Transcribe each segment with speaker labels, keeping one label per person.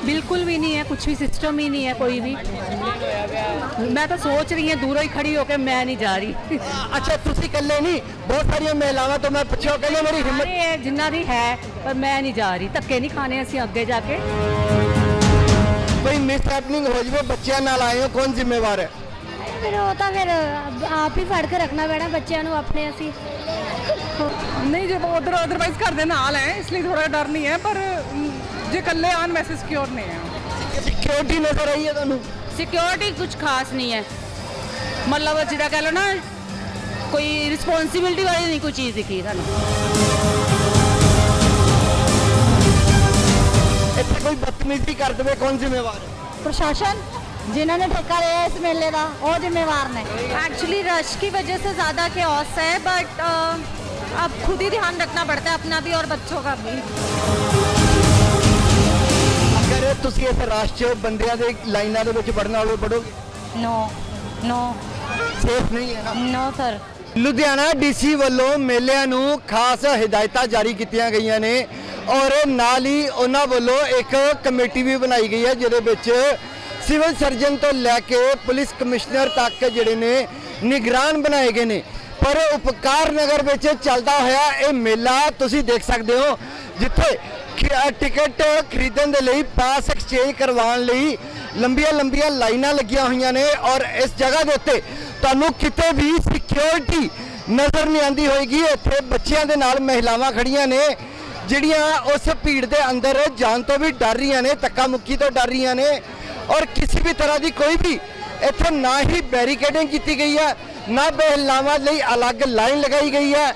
Speaker 1: बिल्कुल भी नहीं है, कुछ भी सिस्टम ही नहीं है कोई भी। मैं तो सोच रही हूँ दूरों ही खड़ी होकर, मैं नहीं जा रही।
Speaker 2: अच्छा ਤੁਸੀਂ ਇਕੱਲੇ ਨਹੀਂ, ਬਹੁਤ ਸਾਰੀਆਂ ਮਹਿਲਾਵਾਂ ਤੋਂ ਮੈਂ ਪੁੱਛਿਆ, ਕਹਿੰਦੇ ਮੇਰੀ ਹਿੰਮਤ
Speaker 1: अरे जिन्ना भी है, पर मैं नहीं जा रही। धक्के नहीं खाने ਅਸੀਂ ਅੱਗੇ ਜਾ ਕੇ।
Speaker 2: ਕੋਈ ਮਿਸ ਹੈਪਨਿੰਗ ਹੋ ਜਵੇ, ਬੱਚਿਆਂ ਨਾਲ ਆਏ ਹੋ, ਕੌਣ ਜ਼ਿੰਮੇਵਾਰ ਹੈ?
Speaker 3: ਫਿਰ ਉਹ ਤਾਂ ਫਿਰ ਆਪ ਹੀ ਫੜ ਕੇ ਰੱਖਣਾ ਪੈਣਾ ਬੱਚਿਆਂ ਨੂੰ ਆਪਣੇ। ਅਸੀਂ
Speaker 4: ਨਹੀਂ ਜੇ ਉਧਰ ਅਦਰਵਾਈਜ਼ ਘਰ ਦੇ ਨਾਲ ਹੈ, ਇਸ ਲਈ ਥੋੜਾ ਡਰ ਨਹੀਂ ਹੈ, ਪਰ ਜੇ ਇਕੱਲੇ ਆਣ ਵੈਸੇ ਸਿਕਿਉਰ ਨਹੀਂ ਹੈ।
Speaker 2: ਸਿਕਿਉਰਿਟੀ ਨਜ਼ਰ ਆਈ ਹੈ ਤੁਹਾਨੂੰ?
Speaker 1: ਸਿਕਿਉਰਿਟੀ ਕੁਝ ਖਾਸ ਨਹੀਂ ਹੈ, ਮਤਲਬ ਜਿਹੜਾ ਕਹ ਲਓ ਨਾ, ਕੋਈ ਰਿਸਪੌਂਸਿਬਿਲਟੀ ਵਾਲੀ ਨਹੀਂ ਕੋਈ ਚੀਜ਼ ਦਿਖੀ ਸਾਨੂੰ।
Speaker 2: ਇੱਥੇ ਕੋਈ ਬਦਤਮੀਜ਼ੀ ਕਰ ਦੇਵੇ, ਕੌਣ ਜ਼ਿੰਮੇਵਾਰ ਹੈ?
Speaker 3: ਪ੍ਰਸ਼ਾਸਨ ਜਿਨ੍ਹਾਂ ਨੇ ਠੇਕਾ ਲਿਆ ਇਸ ਮੇਲੇ ਦਾ, ਉਹ ਜ਼ਿੰਮੇਵਾਰ ਨੇ।
Speaker 5: एक्चुअली रश की वजह से ज़्यादा केओस है, बट अब खुद ही ध्यान रखना पड़ता है अपना भी और बच्चों का भी।
Speaker 2: ਅਗਰ ਤੁਸੀਂ ਇਸ ਰਸ਼ 'ਚ ਬੰਦਿਆਂ ਦੇ ਲਾਈਨਾਂ ਦੇ ਵਿੱਚ ਵੜਨ ਵਾਲੇ ਵੜੋਗੇ?
Speaker 3: ਨੋ ਨੋ
Speaker 2: ਸੇਫ ਨਹੀਂ ਹੈ ਨਾ?
Speaker 3: No sir.
Speaker 2: ਲੁਧਿਆਣਾ ਡੀਸੀ ਵੱਲੋਂ ਮੇਲਿਆਂ ਨੂੰ ਖਾਸ ਹਦਾਇਤਾਂ ਜਾਰੀ ਕੀਤੀਆਂ ਗਈਆਂ ਨੇ ਔਰ ਨਾਲ ਹੀ ਉਹਨਾਂ ਵੱਲੋਂ ਇੱਕ ਕਮੇਟੀ ਵੀ ਬਣਾਈ ਗਈ ਹੈ ਜਿਹਦੇ ਵਿੱਚ ਸਿਵਲ ਸਰਜਨ ਤੋਂ ਲੈ ਕੇ ਪੁਲਿਸ ਕਮਿਸ਼ਨਰ ਤੱਕ ਜਿਹੜੇ ਨੇ ਨਿਗਰਾਨ ਬਣਾਏ ਗਏ ਨੇ। ਪਰ ਉਪਕਾਰ ਨਗਰ ਵਿੱਚ ਚੱਲਦਾ ਹੋਇਆ ਇਹ ਮੇਲਾ ਤੁਸੀਂ ਦੇਖ ਸਕਦੇ ਹੋ, ਜਿੱਥੇ ਟਿਕਟ ਖਰੀਦਣ ਦੇ ਲਈ, ਪਾਸ ਐਕਸਚੇਂਜ ਕਰਵਾਉਣ ਲਈ ਲੰਬੀਆਂ ਲਾਈਨਾਂ ਲੱਗੀਆਂ ਹੋਈਆਂ ਨੇ ਔਰ ਇਸ ਜਗ੍ਹਾ ਦੇ ਉੱਤੇ ਤੁਹਾਨੂੰ ਕਿਤੇ ਵੀ ਸਿਕਿਉਰਿਟੀ ਨਜ਼ਰ ਨਹੀਂ ਆਉਂਦੀ ਹੋਏਗੀ। ਇੱਥੇ ਬੱਚਿਆਂ ਦੇ ਨਾਲ ਮਹਿਲਾਵਾਂ ਖੜੀਆਂ ਨੇ ਜਿਹੜੀਆਂ ਉਸ ਭੀੜ ਦੇ ਅੰਦਰ ਜਾਣ ਤੋਂ ਵੀ ਡਰ ਰਹੀਆਂ ਨੇ, ਧੱਕਾ ਮੁੱਕੀ ਤੋਂ ਡਰ ਰਹੀਆਂ ਨੇ ਔਰ ਕਿਸੇ ਵੀ ਤਰ੍ਹਾਂ ਦੀ ਕੋਈ ਵੀ ਇੱਥੇ ਨਾ ਹੀ ਬੈਰੀਕੇਡਿੰਗ ਕੀਤੀ ਗਈ ਹੈ, ਨਾ ਮਹਿਲਾਵਾਂ ਲਈ ਅਲੱਗ ਲਾਈਨ ਲਗਾਈ ਗਈ ਹੈ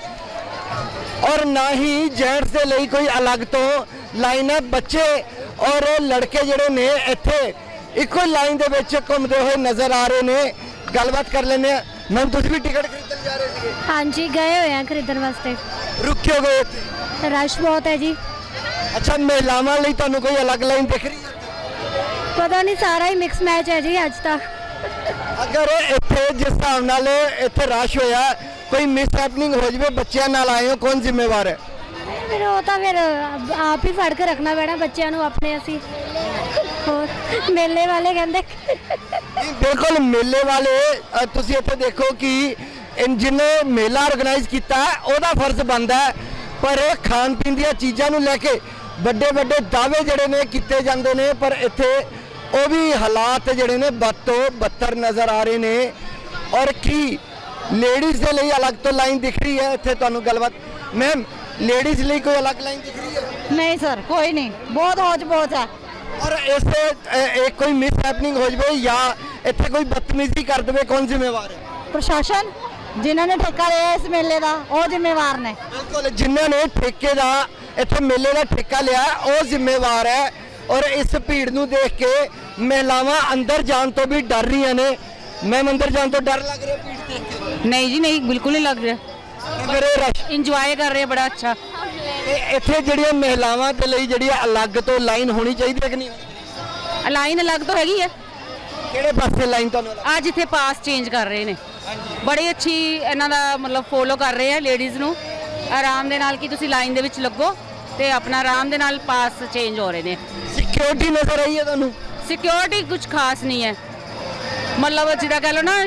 Speaker 2: ਔਰ ਨਾ ਹੀ ਜੈਂਟਸ ਦੇ ਲਈ ਕੋਈ ਅਲੱਗ ਤੋਂ ਲਾਈਨ ਹੈ। ਬੱਚੇ ਔਰ ਲੜਕੇ ਜਿਹੜੇ ਨੇ ਇੱਥੇ ਇੱਕੋ ਲਾਈਨ ਦੇ ਵਿੱਚ ਘੁੰਮਦੇ ਹੋਏ ਨਜ਼ਰ ਆ ਰਹੇ ਨੇ। ਗੱਲਬਾਤ ਕਰ ਲੈਂਦੇ ਆ। ਮੈਮ ਤੁਸੀਂ ਵੀ ਟਿਕਟ ਖਰੀਦਣ ਜਾ ਰਹੇ ਸੀਗੇ?
Speaker 3: ਹਾਂਜੀ ਗਏ ਹੋਏ ਆ ਖਰੀਦਣ ਵਾਸਤੇ।
Speaker 2: ਰੁਕੇ ਹੋ ਗਏ ਇੱਥੇ?
Speaker 3: ਰਸ਼ ਬਹੁਤ ਹੈ ਜੀ।
Speaker 2: ਅੱਛਾ, ਮਹਿਲਾਵਾਂ ਲਈ ਤੁਹਾਨੂੰ ਕੋਈ ਅਲੱਗ ਲਾਈਨ ਦਿਖ ਰਹੀ ਹੈ?
Speaker 3: ਪਤਾ ਨਹੀਂ, ਸਾਰਾ ਹੀ ਮਿਕਸ ਮੈਚ ਹੈ ਜੀ ਅੱਜ ਤੱਕ।
Speaker 2: ਅਗਰ ਇੱਥੇ ਜਿਸ ਹਿਸਾਬ ਨਾਲ ਇੱਥੇ ਰਸ਼ ਹੋਇਆ, ਕੋਈ ਮਿਸ ਹੈਪਨਿੰਗ ਹੋ ਜਵੇ, ਬੱਚਿਆਂ ਨਾਲ ਆਏ ਹੋ, ਕੌਣ ਜ਼ਿੰਮੇਵਾਰ ਹੈ?
Speaker 3: ਫਿਰ ਉਹ ਤਾਂ ਫਿਰ ਆਪ ਹੀ ਫੜ ਕੇ ਰੱਖਣਾ ਪੈਣਾ ਬੱਚਿਆਂ ਨੂੰ ਆਪਣੇ। ਅਸੀਂ ਹੋਰ ਮੇਲੇ ਵਾਲੇ ਕਹਿੰਦੇ
Speaker 2: ਬਿਲਕੁਲ ਮੇਲੇ ਵਾਲੇ ਤੁਸੀਂ ਇੱਥੇ ਦੇਖੋ ਕਿ ਜਿਹਨੇ ਮੇਲਾ ਆਰਗੇਨਾਈਜ਼ ਕੀਤਾ ਉਹਦਾ ਫਰਜ਼ ਬਣਦਾ ਹੈ, ਪਰ ਖਾਣ ਪੀਣ ਦੀਆਂ ਚੀਜ਼ਾਂ ਨੂੰ ਲੈ ਕੇ ਵੱਡੇ ਦਾਅਵੇ ਜਿਹੜੇ ਨੇ ਕੀਤੇ ਜਾਂਦੇ ਨੇ, ਪਰ ਇੱਥੇ ਉਹ ਵੀ ਹਾਲਾਤ ਜਿਹੜੇ ਨੇ ਬਦ ਤੋਂ ਬੱਤਰ ਨਜ਼ਰ ਆ ਰਹੇ ਨੇ। ਔਰ ਕੀ ਲੇਡੀਜ਼ ਦੇ ਲਈ ਅਲੱਗ ਤੋਂ ਲਾਈਨ ਦਿਖ ਰਹੀ ਹੈ ਇੱਥੇ ਤੁਹਾਨੂੰ? ਗੱਲਬਾਤ ਮੈਮ, ਲੇਡੀਜ਼ ਲਈ ਕੋਈ ਅਲੱਗ ਲਾਈਨ ਦਿਖ ਰਹੀ ਹੈ?
Speaker 3: ਨਹੀਂ ਸਰ, ਕੋਈ ਨਹੀਂ, ਬਹੁਤ ਹੌਜ-ਪੌਚ ਹੈ।
Speaker 2: ਔਰ ਇਸ ਕੋਈ ਮਿਸ ਹੈਪਨਿੰਗ ਹੋ ਜਵੇ ਜਾਂ ਇੱਥੇ ਕੋਈ ਬਦਤਮੀਜ਼ੀ ਕਰ ਦੇਵੇ, ਕੌਣ ਜ਼ਿੰਮੇਵਾਰ ਹੈ?
Speaker 3: ਪ੍ਰਸ਼ਾਸਨ ਜਿਨ੍ਹਾਂ ਨੇ ਠੇਕਾ ਲਿਆ ਇਸ ਮੇਲੇ ਦਾ, ਉਹ ਜ਼ਿੰਮੇਵਾਰ ਨੇ।
Speaker 2: ਬਿਲਕੁਲ, ਜਿਨ੍ਹਾਂ ਨੇ ਠੇਕੇ ਦਾ ਇੱਥੇ ਮੇਲੇ ਦਾ ਠੇਕਾ ਲਿਆ ਉਹ ਜ਼ਿੰਮੇਵਾਰ ਹੈ। ਔਰ ਇਸ ਭੀੜ ਨੂੰ ਦੇਖ ਕੇ ਮਹਿਲਾਵਾਂ ਅੰਦਰ ਜਾਣ ਤੋਂ ਵੀ ਡਰ ਰਹੀਆਂ ਨੇ। ਮੈਮ, ਅੰਦਰ ਜਾਣ ਤੋਂ ਡਰ ਲੱਗ ਰਿਹਾ ਭੀੜ ਦੇਖ ਕੇ?
Speaker 1: ਨਹੀਂ ਜੀ ਨਹੀਂ, ਬਿਲਕੁਲ ਨਹੀਂ ਲੱਗ ਰਿਹਾ।
Speaker 2: ਅਗਰ ਇਹ ਰਸ਼
Speaker 1: ਇੰਜੋਏ ਕਰ ਰਹੇ, ਬੜਾ ਅੱਛਾ।
Speaker 2: ਇੱਥੇ ਜਿਹੜੀਆਂ ਮਹਿਲਾਵਾਂ ਦੇ ਲਈ ਜਿਹੜੀ ਅਲੱਗ ਤੋਂ ਲਾਈਨ ਹੋਣੀ ਚਾਹੀਦੀ ਹੈ ਕਿ ਨਹੀਂ?
Speaker 1: ਲਾਈਨ ਅਲੱਗ ਤੋਂ ਹੈਗੀ ਹੈ।
Speaker 2: ਕਿਹੜੇ ਪਾਸੇ ਲਾਈਨ ਤੁਹਾਨੂੰ?
Speaker 1: ਅੱਜ ਇੱਥੇ ਪਾਸ ਚੇਂਜ ਕਰ ਰਹੇ ਨੇ, ਬੜੀ ਅੱਛੀ ਇਹਨਾਂ ਦਾ ਮਤਲਬ ਫੋਲੋ ਕਰ ਰਹੇ ਆ ਲੇਡੀਜ਼ ਨੂੰ ਆਰਾਮ ਦੇ ਨਾਲ ਕਿ ਤੁਸੀਂ ਲਾਈਨ ਦੇ ਵਿੱਚ ਲੱਗੋ ਤੇ ਆਪਣਾ ਆਰਾਮ ਦੇ ਨਾਲ ਪਾਸ ਚੇਂਜ ਹੋ ਰਹੇ ਨੇ।
Speaker 2: ਸਿਕਿਉਰਿਟੀ ਨਜ਼ਰ ਆਈ ਹੈ ਤੁਹਾਨੂੰ?
Speaker 1: ਸਿਕਿਉਰਿਟੀ ਕੁਝ ਖਾਸ ਨਹੀਂ ਹੈ, ਮਤਲਬ ਜਿਹੜਾ ਕਹ ਲਓ ਨਾ,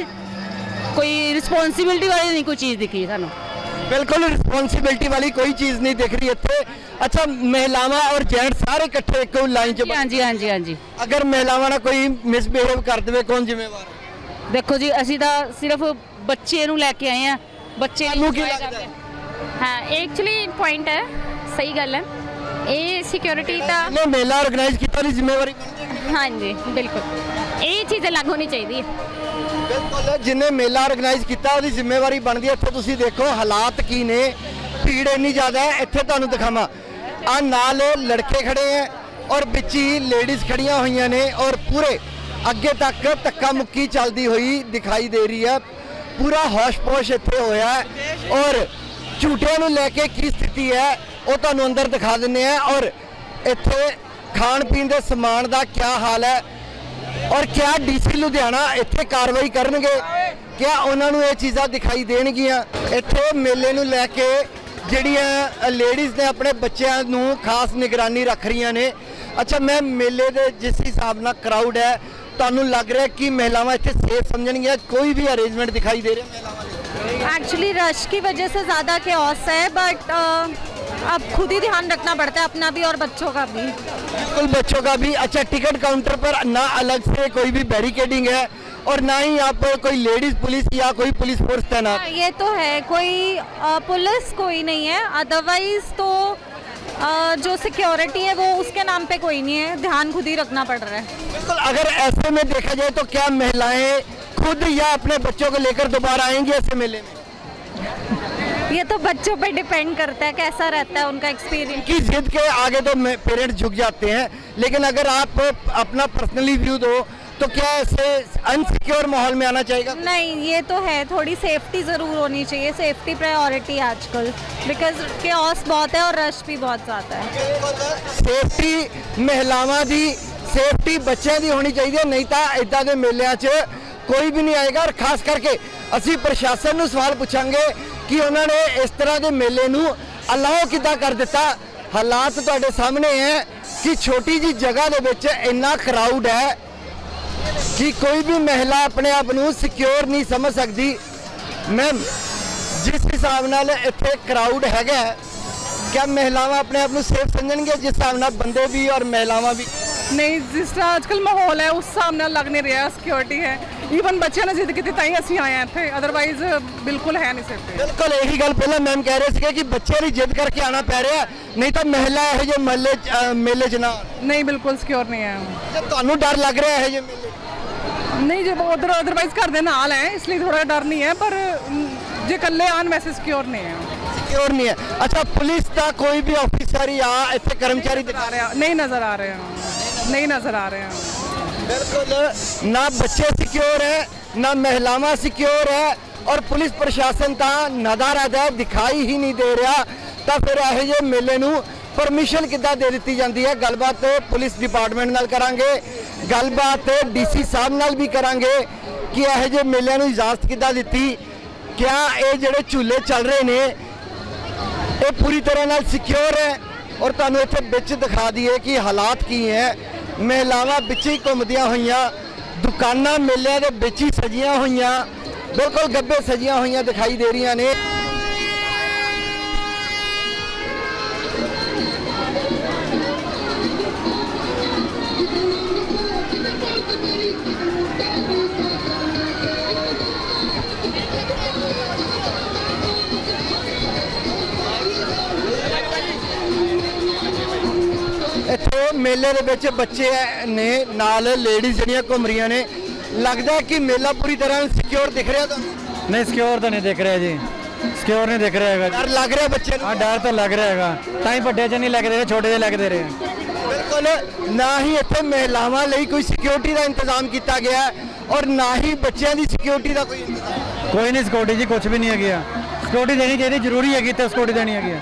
Speaker 1: ਕੋਈ ਰਿਸਪੌਂਸਿਬਿਲਟੀ ਵਾਲੀ ਨਹੀਂ ਕੋਈ ਚੀਜ਼ ਦਿਖੀ ਸਾਨੂੰ।
Speaker 2: ਬਿਲਕੁਲ ਰਿਸਪੌਂਸਿਬਿਲਟੀ ਵਾਲੀ ਕੋਈ ਚੀਜ਼ ਨਹੀਂ ਦਿਖ ਰਹੀ ਇੱਥੇ। ਅੱਛਾ, ਮਹਿਲਾਵਾਂ ਔਰ ਜੈਂਟ ਸਾਰੇ ਇਕੱਠੇ ਇੱਕੋ ਲਾਈਨ 'ਚ?
Speaker 1: ਹਾਂਜੀ।
Speaker 2: ਅਗਰ ਮਹਿਲਾਵਾਂ ਨਾਲ ਕੋਈ ਮਿਸਬਿਹੇਵ ਕਰ ਦੇਵੇ, ਕੌਣ ਜ਼ਿੰਮੇਵਾਰ ਹੈ?
Speaker 1: ਦੇਖੋ ਜੀ, ਅਸੀਂ ਤਾਂ ਸਿਰਫ ਬੱਚੇ ਨੂੰ ਲੈ ਕੇ ਆਏ ਆ। ਬੱਚੇ
Speaker 2: ਨੂੰ ਕੀ ਲੱਗਦਾ ਹੈ?
Speaker 5: हाँ एक्चुअली पॉइंट है, सही गल है। ये सिक्योरिटी तो
Speaker 2: ਨੇ ਮੇਲਾ ਆਰਗੇਨਾਈਜ਼ ਕੀਤਾ ਦੀ ਜ਼ਿੰਮੇਵਾਰੀ ਬਣਦੀ ਹੈ?
Speaker 5: हाँ जी बिल्कुल, ये चीज़ें लागू होनी चाहिए।
Speaker 2: ਬਿਲਕੁਲ, ਜਿਹਨੇ ਮੇਲਾ ਆਰਗੇਨਾਈਜ਼ ਕੀਤਾ ਉਹਦੀ ਜ਼ਿੰਮੇਵਾਰੀ ਬਣਦੀ ਹੈ। ਇੱਥੇ ਤੁਸੀਂ ਦੇਖੋ ਹਾਲਾਤ ਕੀ ਨੇ, ਭੀੜ ਇੰਨੀ ਜ਼ਿਆਦਾ ਹੈ। ਇੱਥੇ ਤੁਹਾਨੂੰ ਦਿਖਾਵਾਂ, ਆ ਨਾਲ ਲੜਕੇ ਖੜੇ ਹੈ ਔਰ ਵਿੱਚ ਹੀ ਲੇਡੀਜ਼ ਖੜੀਆਂ ਹੋਈਆਂ ਨੇ ਔਰ ਪੂਰੇ ਅੱਗੇ ਤੱਕ ਧੱਕਾ ਮੁੱਕੀ ਚੱਲਦੀ ਹੋਈ ਦਿਖਾਈ ਦੇ ਰਹੀ ਹੈ। ਪੂਰਾ ਹੋਸ਼-ਪੋਸ਼ ਇੱਥੇ ਹੋਇਆ ਹੈ ਔਰ ਝੂਟਿਆਂ ਨੂੰ ਲੈ ਕੇ ਕੀ ਸਥਿਤੀ ਹੈ ਉਹ ਤੁਹਾਨੂੰ ਅੰਦਰ ਦਿਖਾ ਦਿੰਦੇ ਆ। ਔਰ ਇੱਥੇ ਖਾਣ ਪੀਣ ਦੇ ਸਮਾਨ ਦਾ ਕੀ ਹਾਲ ਹੈ ਔਰ ਕਿਆ ਡੀਸੀ ਲੁਧਿਆਣਾ ਇੱਥੇ ਕਾਰਵਾਈ ਕਰਨਗੇ, ਕਿਆ ਉਹਨਾਂ ਨੂੰ ਇਹ ਚੀਜ਼ਾਂ ਦਿਖਾਈ ਦੇਣਗੀਆਂ? ਇੱਥੇ ਮੇਲੇ ਨੂੰ ਲੈ ਕੇ ਜਿਹੜੀਆਂ ਲੇਡੀਜ਼ ਨੇ ਆਪਣੇ ਬੱਚਿਆਂ ਨੂੰ ਖਾਸ ਨਿਗਰਾਨੀ ਰੱਖ ਰਹੀਆਂ ਨੇ। ਅੱਛਾ ਮੈਮ, ਮੇਲੇ ਦੇ ਜਿਸ ਹਿਸਾਬ ਨਾਲ ਕਰਾਊਡ ਹੈ, ਤੁਹਾਨੂੰ ਲੱਗ ਰਿਹਾ ਕਿ ਮਹਿਲਾਵਾਂ ਇੱਥੇ ਸੇਫ ਸਮਝਣਗੀਆਂ? ਕੋਈ ਵੀ ਅਰੇਂਜਮੈਂਟ ਦਿਖਾਈ ਦੇ ਰਿਹਾ ਮਹਿਲਾਵਾਂ ਲਈ?
Speaker 5: एक्चुअली रश की वजह से ज़्यादा केओस है, बट अब खुद ही ध्यान रखना पड़ता है अपना भी और बच्चों का भी।
Speaker 2: बिल्कुल, बच्चों का भी। अच्छा, टिकट काउंटर पर ना अलग से कोई भी बैरिकेडिंग है और ना ही यहाँ पर कोई लेडीज पुलिस या कोई पुलिस फोर्स तैनात?
Speaker 5: हाँ, ये तो है, कोई पुलिस कोई नहीं है, अदरवाइज तो जो सिक्योरिटी है वो उसके नाम पे कोई नहीं है, ध्यान खुद ही रखना पड़ रहा है।
Speaker 2: बिल्कुल, अगर ऐसे में देखा जाए तो क्या महिलाएं खुद या अपने बच्चों को लेकर दोबारा आएंगी ऐसे मेले में?
Speaker 5: ये तो बच्चों पे डिपेंड करता है कैसा रहता है उनका एक्सपीरियंस।
Speaker 2: की जिद के आगे तो पेरेंट्स झुक जाते हैं, लेकिन अगर आप अपना पर्सनली व्यू दो तो क्या ऐसे अनसिक्योर माहौल में आना चाहिए?
Speaker 5: नहीं, ये तो है, थोड़ी सेफ्टी ज़रूर होनी चाहिए, सेफ्टी प्रायोरिटी आजकल, बिकॉज केओस बहुत है और रश भी बहुत ज़्यादा है।
Speaker 2: ਸੇਫਟੀ ਮਹਿਲਾਵਾਂ ਦੀ, ਸੇਫਟੀ ਬੱਚਿਆਂ ਦੀ ਹੋਣੀ ਚਾਹੀਦੀ ਹੈ, ਨਹੀਂ ਤਾਂ ਇਦਾਂ ਦੇ ਮੇਲਿਆਂ 'ਚ ਕੋਈ ਵੀ ਨਹੀਂ ਆਏਗਾ। ਔਰ ਖਾਸ ਕਰਕੇ ਅਸੀਂ ਪ੍ਰਸ਼ਾਸਨ ਨੂੰ ਸਵਾਲ ਪੁੱਛਾਂਗੇ ਕਿ ਉਹਨਾਂ ਨੇ ਇਸ ਤਰ੍ਹਾਂ ਦੇ ਮੇਲੇ ਨੂੰ ਅਲਾਓ ਕਿੱਦਾਂ ਕਰ ਦਿੱਤਾ। ਹਾਲਾਤ ਤੁਹਾਡੇ ਸਾਹਮਣੇ ਹੈ ਕਿ ਛੋਟੀ ਜੀ ਜਗ੍ਹਾ ਦੇ ਵਿੱਚ ਇੰਨਾ ਕਰਾਊਡ ਹੈ ਕਿ ਕੋਈ ਵੀ ਮਹਿਲਾ ਆਪਣੇ ਆਪ ਨੂੰ ਸਿਕਿਉਰ ਨਹੀਂ ਸਮਝ ਸਕਦੀ। ਮੈਮ, ਜਿਸ ਹਿਸਾਬ ਨਾਲ ਇੱਥੇ ਕਰਾਊਡ ਹੈਗਾ, क्या महिलावां अपने आप सेफ समझणगे जिस हिसाब नाल बंदे भी और महिलावां भी?
Speaker 4: नहीं, जिस तरह आजकल माहौल है उस हिसाब नाल लग नहीं रहा सिक्योरिटी है। ਈਵਨ ਬੱਚਿਆਂ ਨੇ ਜਿੱਦ ਕੀਤੀ ਤਾਂ ਹੀ ਅਸੀਂ ਆਏ ਹਾਂ ਇੱਥੇ, ਅਦਰਵਾਈਜ਼ ਬਿਲਕੁਲ ਹੈ ਨਹੀਂ ਸੇਫਟੀ।
Speaker 2: ਬਿਲਕੁਲ ਇਹੀ ਗੱਲ ਪਹਿਲਾਂ ਮੈਮ ਕਹਿ ਰਹੇ ਸੀਗੇ ਕਿ ਬੱਚੇ ਦੀ ਜਿੱਦ ਕਰਕੇ ਆਣਾ ਪੈ ਰਿਹਾ, ਨਹੀਂ ਤਾਂ ਮਹਿਲਾ ਇਹੋ ਜਿਹੇ ਮੇਲੇ 'ਚ ਨਾ।
Speaker 4: ਨਹੀਂ, ਬਿਲਕੁਲ ਸਿਕਿਉਰ ਨਹੀਂ ਹੈ।
Speaker 2: ਤੇ ਤੁਹਾਨੂੰ ਡਰ ਲੱਗ ਰਿਹਾ ਇਹੋ ਜਿਹੇ ਮੇਲੇ?
Speaker 4: ਨਹੀਂ, ਜੇ ਉਧਰ ਅਦਰਵਾਈਜ਼ ਘਰ ਦੇ ਨਾਲ ਹੈ ਇਸ ਲਈ ਥੋੜਾ ਡਰ ਨਹੀਂ ਹੈ, ਪਰ ਜੇ ਇਕੱਲੇ ਆਣ ਵੈਸੇ ਸਿਕਿਉਰ ਨਹੀਂ ਹੈ।
Speaker 2: ਸਿਕਿਉਰ ਨਹੀਂ ਹੈ। ਅੱਛਾ, ਪੁਲਿਸ ਦਾ ਕੋਈ ਵੀ ਆਫੀਸਰ ਜਾਂ ਇੱਥੇ ਕਰਮਚਾਰੀ ਦਿਖਾ ਰਿਹਾ?
Speaker 4: ਨਹੀਂ ਨਜ਼ਰ ਆ ਰਹੇ ਹਨ, नहीं नजर आ रहे हैं।
Speaker 2: बिल्कुल, ना बच्चे सिक्योर है, ना महिलावां सिक्योर है और पुलिस प्रशासन ਤਾਂ ਨਦਾਰਦ ਹੈ, ਦਿਖਾਈ ਹੀ ਨਹੀਂ ਦੇ ਰਿਹਾ। ਤਾਂ ਫਿਰ ਇਹੋ ਜਿਹੇ ਮੇਲੇ ਨੂੰ ਪਰਮਿਸ਼ਨ ਕਿੱਦਾਂ ਦੇ ਦਿੱਤੀ ਜਾਂਦੀ ਹੈ? ਗੱਲਬਾਤ ਪੁਲਿਸ ਡਿਪਾਰਟਮੈਂਟ ਨਾਲ ਕਰਾਂਗੇ, ਗੱਲਬਾਤ ਡੀਸੀ ਸਾਹਿਬ ਨਾਲ ਵੀ ਕਰਾਂਗੇ ਕਿ ਇਹੋ ਜਿਹੇ ਮੇਲਿਆਂ ਨੂੰ ਇਜਾਜ਼ਤ ਕਿੱਦਾਂ ਦਿੱਤੀ। ਕਿਆ ਇਹ ਜਿਹੜੇ ਝੂਲੇ ਚੱਲ ਰਹੇ ਨੇ ਇਹ ਪੂਰੀ ਤਰ੍ਹਾਂ ਨਾਲ ਸਿਕਿਉਰ ਹੈ? ਔਰ ਤੁਹਾਨੂੰ ਇੱਥੇ ਵਿੱਚ ਦਿਖਾ ਦਈਏ ਕਿ ਹਾਲਾਤ ਕੀ ਹੈ। ਮਹਿਲਾਵਾਂ ਵਿੱਚ ਹੀ ਘੁੰਮਦੀਆਂ ਹੋਈਆਂ, ਦੁਕਾਨਾਂ ਮੇਲਿਆਂ ਦੇ ਵਿੱਚ ਹੀ ਸਜੀਆਂ ਹੋਈਆਂ, ਬਿਲਕੁਲ ਗੱਬੇ ਸਜੀਆਂ ਹੋਈਆਂ ਦਿਖਾਈ ਦੇ ਰਹੀਆਂ ਨੇ। ਇੱਥੇ ਮੇਲੇ ਦੇ ਵਿੱਚ ਬੱਚੇ ਨੇ, ਨਾਲ ਲੇਡੀਜ਼ ਜਿਹੜੀਆਂ ਘੁੰਮ ਰਹੀਆਂ ਨੇ। ਲੱਗਦਾ ਕਿ ਮੇਲਾ ਪੂਰੀ ਤਰ੍ਹਾਂ ਸਿਕਿਉਰ ਦਿਖ ਰਿਹਾ ਤੁਹਾਨੂੰ?
Speaker 6: नहीं सिक्योर तो नहीं दिख रहा जी, सिक्योर नहीं दिख रहा है।
Speaker 2: ਡਰ ਲੱਗ ਰਿਹਾ ਬੱਚੇ ਨੂੰ?
Speaker 6: हाँ, डर तो लग रहा है, ताई ਵੱਡੇ ਚ ਨਹੀਂ ਲੱਗ ਰਹੇ, ਛੋਟੇ ਜਿਹੇ ਲੱਗਦੇ ਰਹੇ।
Speaker 2: ਬਿਲਕੁਲ, ਨਾ ਹੀ ਇੱਥੇ ਮਹਿਲਾਵਾਂ ਲਈ ਕੋਈ ਸਿਕਿਉਰਿਟੀ ਦਾ ਇੰਤਜ਼ਾਮ ਕੀਤਾ ਗਿਆ ਔਰ ਨਾ ਹੀ ਬੱਚਿਆਂ ਦੀ ਸਿਕਿਉਰਿਟੀ ਦਾ ਕੋਈ ਇੰਤਜ਼ਾਮ।
Speaker 6: ਕੋਈ ਨਹੀਂ ਸਿਕਿਉਰਿਟੀ ਜੀ, ਕੁਝ ਵੀ ਨਹੀਂ ਹੈਗੀ। ਸਿਕਿਉਰਿਟੀ ਦੇਣੀ ਚਾਹੀਦੀ, ਜ਼ਰੂਰੀ ਹੈਗੀ ਤੇ ਸਿਕਿਉਰਿਟੀ ਦੇਣੀ ਹੈਗੀ।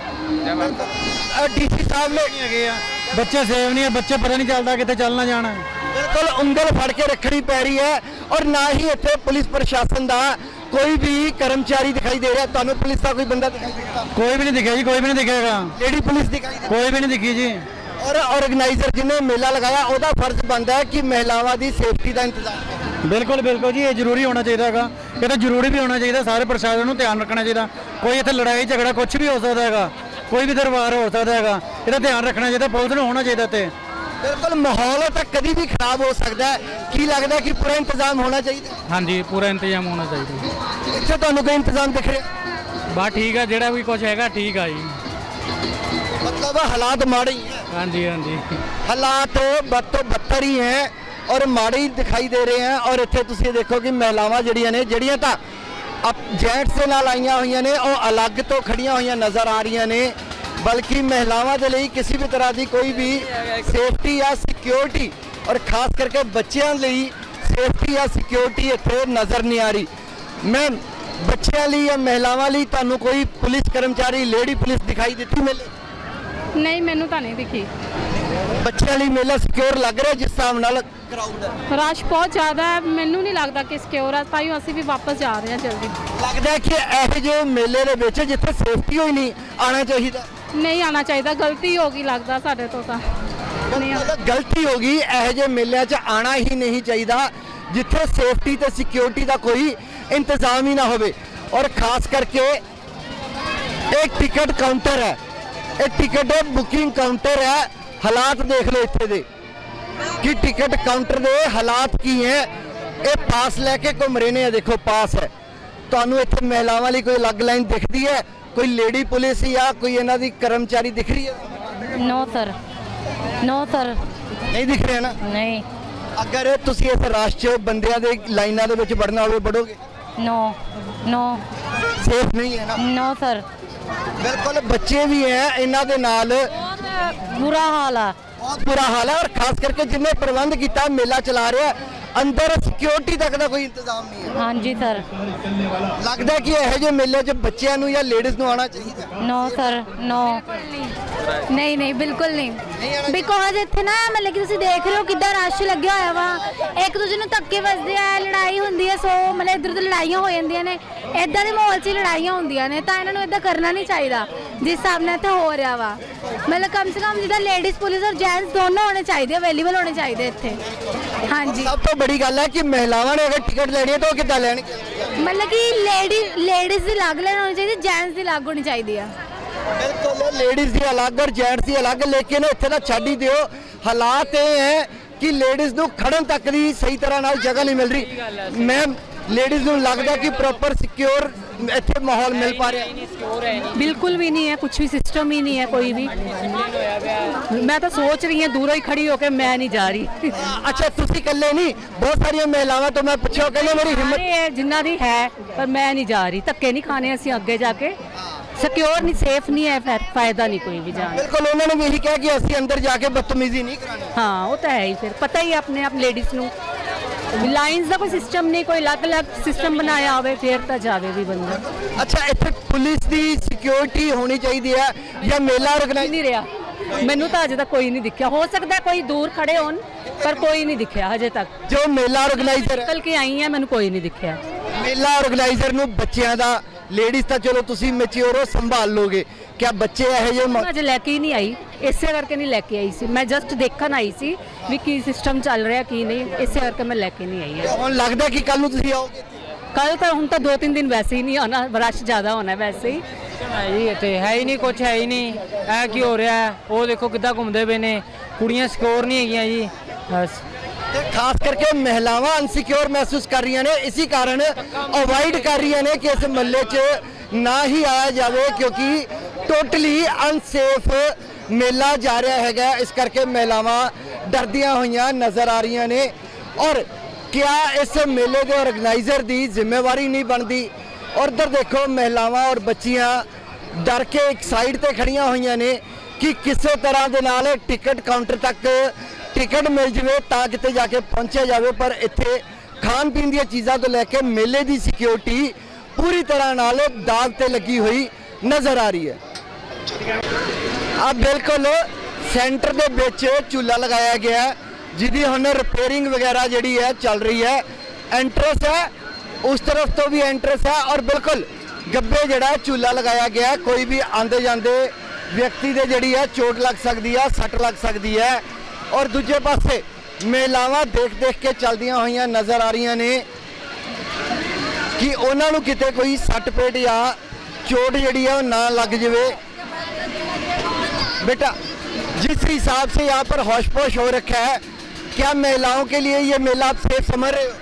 Speaker 2: ਡੀਸੀ ਸਾਹਿਬ ਨੇ
Speaker 6: ਹੈਗੇ ਆ, ਬੱਚੇ ਸੇਫ ਨਹੀਂ ਹੈ, ਬੱਚੇ ਪਤਾ ਨਹੀਂ ਚੱਲਦਾ ਕਿੱਥੇ ਚੱਲਣਾ ਜਾਣਾ।
Speaker 2: ਬਿਲਕੁਲ ਉਂਗਲ ਫੜ ਕੇ ਰੱਖਣੀ ਪੈ ਰਹੀ ਹੈ ਔਰ ਨਾ ਹੀ ਇੱਥੇ ਪੁਲਿਸ ਪ੍ਰਸ਼ਾਸਨ ਦਾ ਕੋਈ ਵੀ ਕਰਮਚਾਰੀ ਦਿਖਾਈ ਦੇ ਰਿਹਾ। ਤੁਹਾਨੂੰ ਪੁਲਿਸ ਦਾ ਕੋਈ ਬੰਦਾ ਦਿਖਾਈ ਦਿੱਤਾ?
Speaker 6: ਕੋਈ ਵੀ ਨਹੀਂ ਦਿਖਿਆ ਜੀ, ਕੋਈ ਵੀ ਨਹੀਂ ਦਿਖੇਗਾ।
Speaker 2: ਲੇਡੀ ਪੁਲਿਸ ਦਿਖਾਈ ਦਿੱਤੀ?
Speaker 6: ਕੋਈ ਵੀ ਨਹੀਂ ਦਿਖੀ ਜੀ।
Speaker 2: ਔਰ ਆਰਗੇਨਾਈਜ਼ਰ ਜਿਹਨੇ ਮੇਲਾ ਲਗਾਇਆ ਉਹਦਾ ਫਰਜ਼ ਬਣਦਾ ਹੈ ਕਿ ਮਹਿਲਾਵਾਂ ਦੀ ਸੇਫਟੀ ਦਾ ਇੰਤਜ਼ਾਮ ਕਰੇ।
Speaker 6: ਬਿਲਕੁਲ ਬਿਲਕੁਲ ਜੀ, ਇਹ ਜ਼ਰੂਰੀ ਹੋਣਾ ਚਾਹੀਦਾ ਹੈਗਾ। ਇਹ ਤਾਂ ਜ਼ਰੂਰੀ ਵੀ ਹੋਣਾ ਚਾਹੀਦਾ, ਸਾਰੇ ਪ੍ਰਸ਼ਾਸਨ ਨੂੰ ਧਿਆਨ ਰੱਖਣਾ ਚਾਹੀਦਾ। ਕੋਈ ਇੱਥੇ ਲੜਾਈ ਝਗੜਾ ਕੁਝ ਵੀ ਹੋ ਸਕਦਾ ਹੈਗਾ, ਕੋਈ ਵੀ ਦਰਬਾਰ ਹੋ ਸਕਦਾ ਹੈਗਾ, ਇਹਦਾ ਧਿਆਨ ਰੱਖਣਾ ਚਾਹੀਦਾ, ਪੁਲਿਸ ਨੂੰ ਹੋਣਾ ਚਾਹੀਦਾ ਤੇ।
Speaker 2: ਬਿਲਕੁਲ, ਮਾਹੌਲ ਤਾਂ ਕਦੀ ਵੀ ਖਰਾਬ ਹੋ ਸਕਦਾ ਹੈ। ਕੀ ਲੱਗਦਾ ਕਿ ਪੂਰਾ ਇੰਤਜ਼ਾਮ ਹੋਣਾ ਚਾਹੀਦਾ?
Speaker 6: ਹਾਂਜੀ, ਪੂਰਾ ਇੰਤਜ਼ਾਮ ਹੋਣਾ ਚਾਹੀਦਾ।
Speaker 2: ਇੱਥੇ ਤੁਹਾਨੂੰ ਕੋਈ ਇੰਤਜ਼ਾਮ ਦਿਖ ਰਿਹਾ?
Speaker 6: ਬਸ ਠੀਕ ਆ, ਜਿਹੜਾ ਵੀ ਕੁਝ ਹੈਗਾ ਠੀਕ ਆ ਜੀ।
Speaker 2: मतलब हालात माड़े ही हैं।
Speaker 6: हाँ जी, हाँ जी,
Speaker 2: हालात बद तो बदतर ही हैं और माड़े ही दिखाई दे रहे हैं। और इत्थे तुसीं देखो कि महिलावां जिहड़ियां ने, जिहड़ियां तां जेंट्स दे नाल आईयां होईयां ने, ਉਹ अलग तो खड़ियां होईयां नज़र आ रही ने। बल्कि महिलावां दे लई किसी भी तरह की कोई भी सेफ्टी या सिक्योरिटी और खास करके बच्चों लई सेफ्टी या सिक्योरिटी इत्थे नज़र नहीं आ रही। मैं बच्चों लई या महिलावां लई तुहानूं कोई पुलिस कर्मचारी, लेडी पुलिस दिखाई दित्ती मेले?
Speaker 7: नहीं, मैनू तो नहीं दिखी।
Speaker 2: ਬੱਚਿਆਂ ਲਈ ਮੇਲਾ ਸਿਕਿਉਰ ਲੱਗ ਰਿਹਾ ਜਿਸ ਹਿਸਾਬ ਨਾਲ ਕਰਾਊਡ ਹੈ?
Speaker 7: रश बहुत ज़्यादा है, मैनू नहीं लगता कि सिक्योर है, ताइयों ਅਸੀਂ ਵੀ ਵਾਪਸ ਜਾ ਰਹੇ ਹਾਂ ਜਲਦੀ।
Speaker 2: ਲੱਗਦਾ ਕਿ ਇਹੋ ਜਿਹੇ ਮੇਲੇ ਦੇ ਵਿੱਚ ਜਿੱਥੇ ਸੇਫਟੀ ਹੋਈ ਨਹੀਂ ਆਉਣਾ ਚਾਹੀਦਾ?
Speaker 7: नहीं आना चाहिए, गलती होगी लगता साढ़े तो। ਦੇਖਦੇ ਹਾਂ।
Speaker 2: ਗਲਤੀ ਹੋ ਗਈ, ਇਹੋ ਜਿਹੇ ਮੇਲਿਆਂ 'ਚ ਆਣਾ ਹੀ ਨਹੀਂ ਚਾਹੀਦਾ ਜਿੱਥੇ ਸੇਫਟੀ ਤੇ ਸਿਕਿਉਰਿਟੀ ਦਾ ਕੋਈ ਇੰਤਜ਼ਾਮ ਹੀ ਨਾ ਹੋਵੇ। ਔਰ ਖਾਸ ਕਰਕੇ एक टिकट काउंटर है, एक टिकट बुकिंग काउंटर है। हालात देख लो इत्थे दे कि टिकट काउंटर दे हालात की है। ये पास लैके घूम रहे ने, देखो पास है। तुहानू इत्थे महिलावां लई कोई अलग लाइन दिखदी है, कोई लेडी पुलिस या कोई इन्हां दी कर्मचारी दिख रही है?
Speaker 3: नो सर, नो सर,
Speaker 2: नहीं दिख रहे ना।
Speaker 3: नहीं,
Speaker 2: अगर तुसी इस रश च बंदियां दे लाइनां दे विच वड़ना होवे वड़ोगे?
Speaker 3: नो, नो,
Speaker 2: सेफ नहीं है ना।
Speaker 3: नो सर,
Speaker 2: बिल्कुल बच्चे भी हैं इन्हां दे नाल,
Speaker 3: बुरा हाल है।
Speaker 2: बहुत बुरा हाल है। और खास करके जिन्हें प्रबंध किया मेला चला रहा है, अंदर सिक्योरिटी तक का कोई इंतजाम नहीं है।
Speaker 3: हाँ जी सर,
Speaker 2: लगता है कि यह जो मेले च बच्चों नूं या लेडीज़ नूं आना चाहिए?
Speaker 3: नो सर, नो, नहीं नहीं बिल्कुल नहीं। बिकॉज ਇੱਥੇ ਨਾ ਮਤਲਬ ਕਿ ਤੁਸੀਂ ਦੇਖ ਰਹੇ ਹੋ ਕਿੱਦਾਂ ਰਸ਼ ਲੱਗਿਆ ਹੋਇਆ ਵਾ, ਇੱਕ ਦੂਜੇ ਨੂੰ ਧੱਕੇ ਵੱਜਦੇ ਆ, ਲੜਾਈ ਹੁੰਦੀ ਹੈ, ਸੋ ਮਤਲਬ ਇੱਧਰ ਉੱਧਰ ਲੜਾਈਆਂ ਹੋ ਜਾਂਦੀਆਂ ਨੇ। ਇਦਾਂ ਦੇ ਮਾਹੌਲ 'ਚ ਲੜਾਈਆਂ ਹੁੰਦੀਆਂ ਨੇ, ਤਾਂ ਇਹਨਾਂ ਨੂੰ ਇਦਾਂ ਕਰਨਾ ਨਹੀਂ ਚਾਹੀਦਾ ਜਿਸ ਹਿਸਾਬ ਨਾਲ ਇੱਥੇ ਹੋ ਰਿਹਾ ਵਾ। ਮਤਲਬ ਕਮ ਸੇ ਕਮ ਜਿੱਦਾਂ ਲੇਡੀਜ਼ ਪੁਲਿਸ ਔਰ ਜੈਂਟਸ ਦੋਨੋਂ ਹੋਣੇ ਚਾਹੀਦੇ, ਅਵੇਲੇਬਲ ਹੋਣੇ ਚਾਹੀਦੇ ਇੱਥੇ। ਹਾਂਜੀ,
Speaker 2: सब तो बड़ी गल है कि महिलावां ने अगर टिकट लेनी है तो कितना लेनी?
Speaker 3: ਮਤਲਬ ਕਿ ਲੇਡੀਜ਼ ਦੀ ਅਲੱਗ ਲੈਣ ਹੋਣੀ ਚਾਹੀਦੀ, ਜੈਂਟਸ ਦੀ ਅਲੱਗ ਹੋਣੀ ਚਾਹੀਦੀ ਆ।
Speaker 2: बिल्कुल लेडीज़ की अलग और जेंट्स की अलग, लेकिन इत्थे तां छड्ड ही दिओ। हालात ये है कि लेडीज़ नूं खड़न तक दी सही तरह नाल जगह नहीं मिल रही। मैं लेडीज़ नूं लगदा कि प्रॉपर सिक्योर ਇੱਥੇ ਮਾਹੌਲ ਮਿਲ ਪਾ ਰਿਹਾ?
Speaker 1: ਬਿਲਕੁਲ ਵੀ ਨਹੀਂ ਹੈ, ਕੁਝ ਵੀ ਸਿਸਟਮ ਹੀ ਨਹੀਂ ਹੈ ਕੋਈ ਵੀ। ਮੈਂ ਤਾਂ ਸੋਚ ਰਹੀ ਹਾਂ ਦੂਰੋਂ ਹੀ ਖੜੀ ਹੋ ਕੇ, ਮੈਂ ਨਹੀਂ ਜਾ ਰਹੀ।
Speaker 2: ਅੱਛਾ ਤੁਸੀਂ ਇਕੱਲੇ ਨਹੀਂ, ਬਹੁਤ ਸਾਰੀਆਂ ਮਹਿਲਾਵਾਂ ਤੋਂ ਮੈਂ ਪੁੱਛਿਆ, ਕਹਿੰਦੇ ਮੇਰੀ ਹਿੰਮਤ
Speaker 1: ਸਾਰੇ ਜਿੰਨਾ ਦੀ ਹੈ, ਪਰ ਮੈਂ ਨਹੀਂ ਜਾ ਰਹੀ। ਧੱਕੇ ਨਹੀਂ ਖਾਣੇ ਅਸੀਂ ਅੱਗੇ ਜਾ ਕੇ, ਸਿਕਿਉਰ ਨਹੀਂ, ਸੇਫ ਨਹੀਂ ਹੈ, ਫਿਰ ਫਾਇਦਾ ਨਹੀਂ ਕੋਈ ਵੀ ਜਾਣ।
Speaker 2: ਬਿਲਕੁਲ ਉਹਨਾਂ ਨੇ ਵੀ ਇਹੀ ਕਿਹਾ ਕਿ ਅਸੀਂ ਅੰਦਰ ਜਾ ਕੇ ਬਦਤਮੀਜ਼ੀ ਨਹੀਂ ਕਰਾਣੀ।
Speaker 1: ਹਾਂ ਉਹ ਤਾਂ ਹੈ ਹੀ, ਫਿਰ ਪਤਾ ਹੀ ਆਪਣੇ ਆਪ ਲੇਡੀਜ਼ ਨੂੰ ਲਾਈਨਸ ਦਾ ਕੋਈ ਸਿਸਟਮ ਨਹੀਂ, ਕੋਈ ਅਲੱਗ-ਅਲੱਗ ਸਿਸਟਮ ਬਣਾਇਆ ਹੋਵੇ ਫਿਰ ਤਾਂ ਜਾਵੇ ਵੀ ਬੰਦਾ।
Speaker 2: ਅੱਛਾ ਇੱਥੇ ਪੁਲਿਸ ਦੀ ਸਿਕਿਉਰਿਟੀ ਹੋਣੀ ਚਾਹੀਦੀ ਹੈ ਜਾਂ ਮੇਲਾ ਆਰਗੇਨਾਈਜ਼?
Speaker 1: ਨਹੀਂ ਰਿਹਾ, ਮੈਨੂੰ ਤਾਂ ਅਜੇ ਤੱਕ ਕੋਈ ਨਹੀਂ ਦਿਖਿਆ। ਹੋ ਸਕਦਾ ਕੋਈ ਦੂਰ ਖੜੇ ਹੋਣ, ਪਰ ਕੋਈ ਨਹੀਂ ਦਿਖਿਆ ਹਜੇ ਤੱਕ।
Speaker 2: ਜੋ ਮੇਲਾ ਆਰਗੇਨਾਈਜ਼ਰ
Speaker 1: ਨਿਕਲ ਕੇ ਆਈ ਹਾਂ, ਮੈਨੂੰ ਕੋਈ ਨਹੀਂ ਦਿਖਿਆ।
Speaker 2: ਮੇਲਾ ਆਰਗੇਨਾਈਜ਼ਰ ਨੂੰ ਬੱਚਿਆਂ ਦਾ, ਲੇਡੀਜ਼ ਤਾਂ ਚਲੋ ਤੁਸੀਂ ਮੈਚਿਓਰ ਹੋ, ਸੰਭਾਲ ਲੋਗੇ, ਕਿਆ ਬੱਚੇ ਇਹੋ ਜਿਹੇ
Speaker 1: ਮੈਂ ਅਜੇ ਲੈ ਕੇ ਹੀ ਨਹੀਂ ਆਈ, ਇਸੇ ਕਰਕੇ ਨਹੀਂ ਲੈ ਕੇ ਆਈ ਸੀ। ਮੈਂ ਜਸਟ ਦੇਖਣ ਆਈ ਸੀ ਵੀ ਕੀ ਸਿਸਟਮ ਚੱਲ ਰਿਹਾ ਕੀ ਨਹੀਂ, ਇਸੇ ਕਰਕੇ ਮੈਂ ਲੈ ਕੇ ਨਹੀਂ ਆਈ ਹੈ।
Speaker 2: ਹੁਣ ਲੱਗਦਾ ਕਿ ਕੱਲ ਨੂੰ ਤੁਸੀਂ ਆਓਗੇ?
Speaker 1: ਕੱਲ ਤਾਂ ਹੁਣ ਤਾਂ 2-3 ਦਿਨ ਵੈਸੇ ਹੀ ਨਹੀਂ ਆਉਣਾ, ਰਸ਼ ਜ਼ਿਆਦਾ ਹੋਣਾ ਵੈਸੇ ਹੀ।
Speaker 8: ਜੀ ਇੱਥੇ ਹੈ ਹੀ ਨਹੀਂ, ਕੁਝ ਹੈ ਹੀ ਨਹੀਂ। ਇਹ ਕੀ ਹੋ ਰਿਹਾ ਹੈ? ਉਹ ਦੇਖੋ ਕਿੱਦਾਂ ਘੁੰਮਦੇ ਪਏ ਨੇ, ਕੁੜੀਆਂ ਸਿਕਿਉਰ ਨਹੀਂ ਹੈਗੀਆਂ ਜੀ। ਬਸ
Speaker 2: ਤੇ ਖਾਸ ਕਰਕੇ ਮਹਿਲਾਵਾਂ ਅਨਸਿਕਿਉਰ ਮਹਿਸੂਸ ਕਰ ਰਹੀਆਂ ਨੇ, ਇਸੇ ਕਾਰਨ ਅਵੋਇਡ ਕਰ ਰਹੀਆਂ ਨੇ ਕਿ ਇਸ ਮਹੱਲੇ 'ਚ ਨਾ ਹੀ ਆਇਆ ਜਾਵੇ, ਕਿਉਂਕਿ ਟੋਟਲੀ ਅਨਸੇਫ ਮੇਲਾ ਜਾ ਰਿਹਾ ਹੈਗਾ। ਇਸ ਕਰਕੇ ਮਹਿਲਾਵਾਂ ਡਰਦੀਆਂ ਹੋਈਆਂ ਨਜ਼ਰ ਆ ਰਹੀਆਂ ਨੇ। ਔਰ ਕਿਆ ਇਸ ਮੇਲੇ ਦੇ ਆਰਗੇਨਾਈਜ਼ਰ ਦੀ ਜ਼ਿੰਮੇਵਾਰੀ ਨਹੀਂ ਬਣਦੀ? ਔਰ ਇੱਧਰ ਦੇਖੋ ਮਹਿਲਾਵਾਂ ਔਰ ਬੱਚੀਆਂ ਡਰ ਕੇ ਇੱਕ ਸਾਈਡ ਤੇ ਖੜੀਆਂ ਹੋਈਆਂ ਨੇ ਕਿ ਕਿਸੇ ਤਰ੍ਹਾਂ ਦੇ ਨਾਲ ਟਿਕਟ ਕਾਊਂਟਰ ਤੱਕ ਟਿਕਟ ਮਿਲ ਜਵੇ ਤਾਂ ਕਿਤੇ ਜਾ ਕੇ ਪਹੁੰਚਿਆ ਜਾਵੇ। ਪਰ ਇੱਥੇ ਖਾਣ ਪੀਣ ਦੀਆਂ ਚੀਜ਼ਾਂ ਤੋਂ ਲੈ ਕੇ ਮੇਲੇ ਦੀ ਸਿਕਿਉਰਿਟੀ ਪੂਰੀ ਤਰ੍ਹਾਂ ਨਾਲ ਦਾਗ ਤੇ ਲੱਗੀ ਹੋਈ ਨਜ਼ਰ ਆ ਰਹੀ ਹੈ। ਆ ਬਿਲਕੁਲ ਸੈਂਟਰ ਦੇ ਵਿੱਚ ਝੂਲਾ ਲਗਾਇਆ ਗਿਆ, ਜਿਹਦੀ ਹੁਣ ਰਿਪੇਅਰਿੰਗ ਵਗੈਰਾ ਜਿਹੜੀ ਹੈ ਚੱਲ ਰਹੀ ਹੈ। ਐਂਟਰੈਂਸ ਹੈ, ਉਸ ਤਰਫ ਤੋਂ ਵੀ ਐਂਟਰੈਂਸ ਹੈ, ਔਰ ਬਿਲਕੁਲ ਗੱਬੇ ਜਿਹੜਾ ਝੂਲਾ ਲਗਾਇਆ ਗਿਆ। ਕੋਈ ਵੀ ਆਂਦੇ ਜਾਂਦੇ ਵਿਅਕਤੀ ਦੇ ਜਿਹੜੀ ਹੈ ਚੋਟ ਲੱਗ ਸਕਦੀ ਹੈ, ਸੱਟ ਲੱਗ ਸਕਦੀ ਹੈ। ਔਰ ਦੂਜੇ ਪਾਸੇ ਮਹਿਲਾਵਾਂ ਦੇਖ ਕੇ ਚੱਲਦੀਆਂ ਹੋਈਆਂ ਨਜ਼ਰ ਆ ਰਹੀਆਂ ਨੇ ਕਿ ਉਹਨਾਂ ਨੂੰ ਕਿਤੇ ਕੋਈ ਸੱਟ ਪੇਟ ਜਾਂ चोट जड़ी है वो ना लग जाए। बेटा जिस हिसाब से यहाँ पर होश पोश हो रखा है, क्या महिलाओं के लिए ये मेला आप सेफ समझ रहे हो?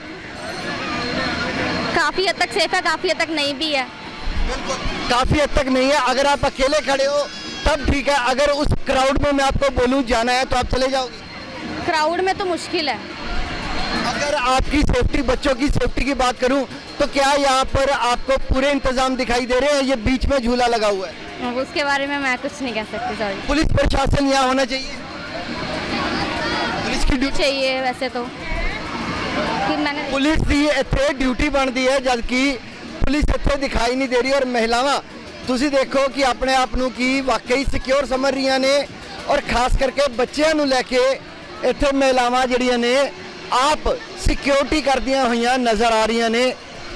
Speaker 3: काफ़ी हद तक सेफ है, काफ़ी हद तक नहीं भी है।
Speaker 2: काफ़ी हद तक नहीं है। अगर आप अकेले खड़े हो तब ठीक है, अगर उस क्राउड में मैं आपको बोलूँ जाना है तो आप चले जाओगे?
Speaker 3: क्राउड में तो मुश्किल है।
Speaker 2: अगर आपकी सेफ्टी, बच्चों की सेफ्टी की बात करूं तो क्या यहाँ पर आपको पूरे इंतजाम दिखाई दे रहे हैं? ये बीच में झूला लगा हुआ है,
Speaker 3: उसके बारे में मैं कुछ नहीं कह सकती, सॉरी।
Speaker 2: पुलिस प्रशासन यहाँ होना चाहिए, पुलिस की ड्यूटी
Speaker 3: चाहिए वैसे तो कि मैंने
Speaker 2: पुलिस की इत्थे ड्यूटी बनती है, जबकि पुलिस इत्थे दिखाई नहीं दे रही। और महिलावां तुसी देखो कि अपने आप नूं की वाकई सिक्योर समझ रही ने, और खास करके बच्चों नूं लैके इत्थे महिलावां जिहड़ियां ने आप सिक्योरिटी करदियां होइयां नज़र आ रही ने।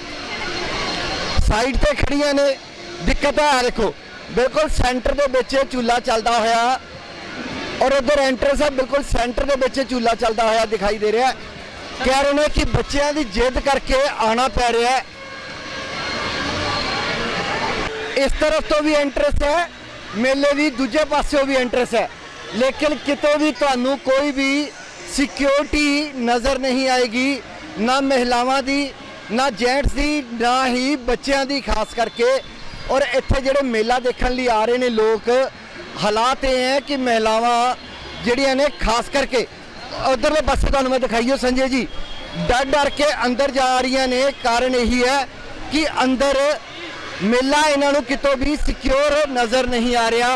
Speaker 2: साइड ते खड़ियां ने, दिक्कत है देखो बिल्कुल सेंटर दे विच झूला चलदा होया ਔਰ ਉਧਰ ਐਂਟਰੈਂਸ ਹੈ ਬਿਲਕੁਲ ਸੈਂਟਰ ਦੇ ਵਿੱਚ ਝੂਲਾ ਚੱਲਦਾ ਹੋਇਆ ਦਿਖਾਈ ਦੇ ਰਿਹਾ ਹੈ। ਕਹਿ ਰਹੇ ਨੇ ਕਿ ਬੱਚਿਆਂ ਦੀ ਜਿੱਦ ਕਰਕੇ ਆਣਾ ਪੈ ਰਿਹਾ ਹੈ। ਇਸ ਤਰਫ ਤੋਂ ਵੀ ਐਂਟਰੈਂਸ ਹੈ, ਮੇਲੇ ਦੀ ਦੂਜੇ ਪਾਸਿਓਂ ਵੀ ਐਂਟਰੈਂਸ ਹੈ, ਲੇਕਿਨ ਕਿਤੇ ਵੀ ਤੁਹਾਨੂੰ ਕੋਈ ਵੀ ਸਿਕਿਉਰਿਟੀ ਨਜ਼ਰ ਨਹੀਂ ਆਏਗੀ, ਨਾ ਮਹਿਲਾਵਾਂ ਦੀ, ਨਾ ਜੈਂਟਸ ਦੀ, ਨਾ ਹੀ ਬੱਚਿਆਂ ਦੀ ਖਾਸ ਕਰਕੇ। ਔਰ ਇੱਥੇ ਜਿਹੜੇ ਮੇਲਾ ਦੇਖਣ ਲਈ ਆ ਰਹੇ ਨੇ ਲੋਕ, ਹਾਲਾਤ ਇਹ ਹੈ ਕਿ ਮਹਿਲਾਵਾਂ ਜਿਹੜੀਆਂ ਨੇ ਖਾਸ ਕਰਕੇ ਉਧਰਲੇ ਪਾਸੇ ਤੁਹਾਨੂੰ ਮੈਂ ਦਿਖਾਈਓ ਸੰਜੇ ਜੀ, ਡਰ ਡਰ ਕੇ ਅੰਦਰ ਜਾ ਰਹੀਆਂ ਨੇ। ਕਾਰਨ ਇਹੀ ਹੈ ਕਿ ਅੰਦਰ ਮੇਲਾ ਇਹਨਾਂ ਨੂੰ ਕਿਤੋਂ ਵੀ ਸਿਕਿਉਰ ਨਜ਼ਰ ਨਹੀਂ ਆ ਰਿਹਾ।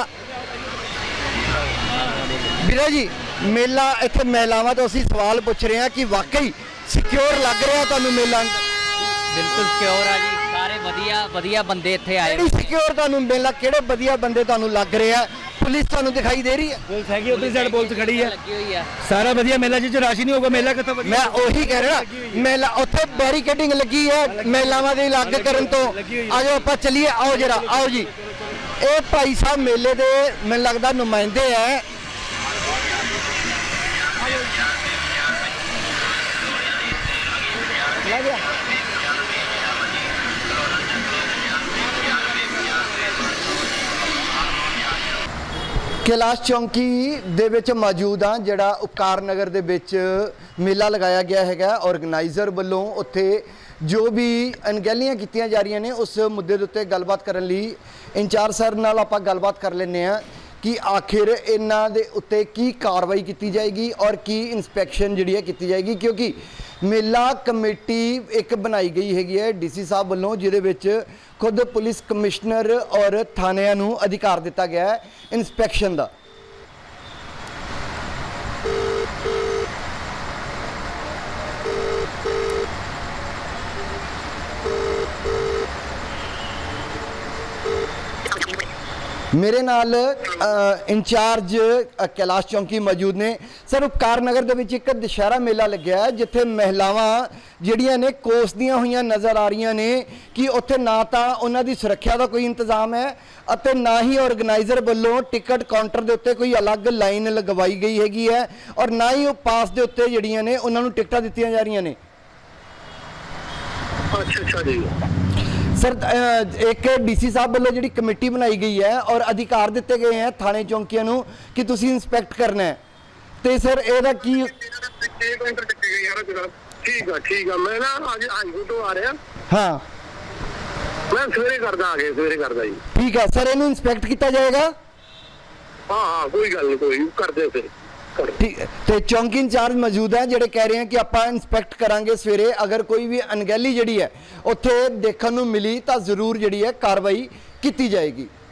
Speaker 2: ਵੀਰਾ ਜੀ, ਮੇਲਾ ਇੱਥੇ ਮਹਿਲਾਵਾਂ ਤੋਂ ਅਸੀਂ ਸਵਾਲ ਪੁੱਛ ਰਹੇ ਹਾਂ ਕਿ ਵਾਕਈ ਸਿਕਿਉਰ ਲੱਗ ਰਿਹਾ ਤੁਹਾਨੂੰ ਮੇਲਾ?
Speaker 9: ਬਿਲਕੁਲ ਸਿਕਿਉਰ ਆ ਜੀ, ਸਾਰੇ ਵਧੀਆ ਬੰਦੇ ਇੱਥੇ ਆਏ।
Speaker 2: ਕਿਹੜੀ ਸਿਕਿਉਰ ਤੁਹਾਨੂੰ ਮੇਲਾ, ਕਿਹੜੇ ਵਧੀਆ ਬੰਦੇ ਤੁਹਾਨੂੰ ਲੱਗ ਰਿਹਾ? ਪੁਲਿਸ ਤੁਹਾਨੂੰ ਦਿਖਾਈ ਦੇ ਰਹੀ ਹੈ?
Speaker 6: ਪੁਲਿਸ ਹੈਗੀ, ਉੱਧਰ ਸਾਈਡ ਪੁਲਿਸ ਖੜੀ ਹੈ,
Speaker 9: ਲੱਗੀ ਹੋਈ ਆ।
Speaker 6: ਸਾਰਾ ਵਧੀਆ ਮੇਲਾ ਜਿੱਚ ਰਾਸ਼ੀ ਨਹੀਂ ਹੋਊਗਾ ਮੇਲਾ ਕਿੱਥੋਂ ਵਧੀਆ?
Speaker 2: ਮੈਂ ਉਹੀ ਕਹਿ ਰਿਹਾ, ਮੇਲਾ ਉੱਥੇ ਬੈਰੀਕੇਡਿੰਗ ਲੱਗੀ ਹੈ ਮਹਿਲਾਵਾਂ ਦੇ ਅਲੱਗ ਕਰਨ ਤੋਂ। ਆਜੋ ਆਪਾਂ ਚੱਲੀਏ, ਆਓ ਜਰਾ, ਆਓ ਜੀ। ਇਹ ਭਾਈ ਸਾਹਿਬ ਮੇਲੇ ਦੇ ਮੈਨੂੰ ਲੱਗਦਾ ਨੁਮਾਇੰਦੇ ਹੈ। ਕੈਲਾਸ਼ ਚੌਂਕੀ ਦੇ ਵਿੱਚ ਮੌਜੂਦ ਹਾਂ, ਜਿਹੜਾ ਉਪਕਾਰ ਨਗਰ ਦੇ ਵਿੱਚ ਮੇਲਾ ਲਗਾਇਆ ਗਿਆ ਹੈਗਾ। ਆਰਗੇਨਾਈਜ਼ਰ ਵੱਲੋਂ ਉੱਥੇ ਜੋ ਵੀ ਅਣਗਹਿਲੀਆਂ ਕੀਤੀਆਂ ਜਾ ਰਹੀਆਂ ਨੇ ਉਸ ਮੁੱਦੇ ਦੇ ਉੱਤੇ ਗੱਲਬਾਤ ਕਰਨ ਲਈ ਇੰਚਾਰਜ ਸਰ ਨਾਲ ਆਪਾਂ ਗੱਲਬਾਤ ਕਰ ਲੈਂਦੇ ਹਾਂ ਕਿ ਆਖਿਰ ਇਹਨਾਂ ਦੇ ਉੱਤੇ ਕੀ ਕਾਰਵਾਈ ਕੀਤੀ ਜਾਏਗੀ ਔਰ ਕੀ ਇਨਸਪੈਕਸ਼ਨ ਜਿਹੜੀ ਹੈ ਕੀਤੀ ਜਾਏਗੀ, ਕਿਉਂਕਿ ਮੇਲਾ ਕਮੇਟੀ ਇੱਕ ਬਣਾਈ ਗਈ ਹੈਗੀ ਹੈ ਡੀਸੀ ਸਾਹਿਬ ਵੱਲੋਂ, ਜਿਹਦੇ ਵਿੱਚ ਖੁਦ ਪੁਲਿਸ ਕਮਿਸ਼ਨਰ ਔਰ ਥਾਣਿਆਂ ਨੂੰ ਅਧਿਕਾਰ ਦਿੱਤਾ ਗਿਆ ਹੈ ਇਨਸਪੈਕਸ਼ਨ ਦਾ। ਮੇਰੇ ਨਾਲ ਇੰਚਾਰਜ ਕੈਲਾਸ਼ ਚੌਂਕੀ ਮੌਜੂਦ ਨੇ। ਸਰ, ਉਪਕਾਰ ਨਗਰ ਦੇ ਵਿੱਚ ਇੱਕ ਦੁਸ਼ਹਿਰਾ ਮੇਲਾ ਲੱਗਿਆ ਹੈ ਜਿੱਥੇ ਮਹਿਲਾਵਾਂ ਜਿਹੜੀਆਂ ਨੇ ਕੋਸਦੀਆਂ ਹੋਈਆਂ ਨਜ਼ਰ ਆ ਰਹੀਆਂ ਨੇ ਕਿ ਉੱਥੇ ਨਾ ਤਾਂ ਉਹਨਾਂ ਦੀ ਸੁਰੱਖਿਆ ਦਾ ਕੋਈ ਇੰਤਜ਼ਾਮ ਹੈ ਅਤੇ ਨਾ ਹੀ ਆਰਗੇਨਾਈਜ਼ਰ ਵੱਲੋਂ ਟਿਕਟ ਕਾਊਂਟਰ ਦੇ ਉੱਤੇ ਕੋਈ ਅਲੱਗ ਲਾਈਨ ਲਗਵਾਈ ਗਈ ਹੈਗੀ ਹੈ ਔਰ ਨਾ ਹੀ ਉਹ ਪਾਸ ਦੇ ਉੱਤੇ ਜਿਹੜੀਆਂ ਨੇ ਉਹਨਾਂ ਨੂੰ ਟਿਕਟਾਂ ਦਿੱਤੀਆਂ ਜਾ ਰਹੀਆਂ ਨੇ।
Speaker 10: ਅੱਛਾ ਜੀ
Speaker 2: ਸਰ, ਇੱਕ ਡੀਸੀ ਸਾਹਿਬ ਵੱਲੋਂ ਜਿਹੜੀ ਕਮੇਟੀ ਬਣਾਈ ਗਈ ਹੈ ਔਰ ਅਧਿਕਾਰ ਦਿੱਤੇ ਗਏ ਹੈ ਥਾਣੇ ਚੌਂਕੀਆਂ ਨੂੰ ਕਿ ਤੁਸੀਂ ਇਨਸਪੈਕਟ ਕਰਨਾ ਹੈ, ਤੇ ਸਰ ਇਹਦਾ ਕੀ?
Speaker 10: ਠੀਕ ਆ, ਮੈਂ ਨਾ ਅੱਜ ਹਾਈਕੋਰਟ ਤੋਂ ਆ ਰਿਹਾ।
Speaker 2: ਹਾਂ,
Speaker 10: ਮੈਂ ਸਵੇਰੇ ਕਰਦਾ, ਆ ਕੇ ਸਵੇਰੇ ਕਰਦਾ ਜੀ।
Speaker 2: ਠੀਕ ਹੈ ਸਰ, ਇਹਨੂੰ ਇਨਸਪੈਕਟ ਕੀਤਾ ਜਾਏਗਾ?
Speaker 10: ਹਾਂ, ਕੋਈ ਗੱਲ ਨਹੀਂ, ਕੋਈ ਕਰਦੇ ਫਿਰ।
Speaker 2: ਠੀਕ, ਤੇ ਚੌਂਕੀ ਇੰਚਾਰਜ ਮੌਜੂਦ ਹੈ ਜਿਹੜੇ ਕਹਿ ਰਹੇ ਹਨ ਕਿ ਆਪਾਂ ਇਨਸਪੈਕਟ ਕਰਾਂਗੇ ਸਵੇਰੇ, ਅਗਰ ਕੋਈ ਵੀ ਅਣਗਹਿਲੀ ਜਿਹੜੀ ਹੈ ਉੱਥੇ ਦੇਖਣ ਨੂੰ ਮਿਲੀ ਤਾਂ ਜ਼ਰੂਰ ਜਿਹੜੀ ਹੈ ਕਾਰਵਾਈ ਕੀਤੀ ਜਾਏਗੀ।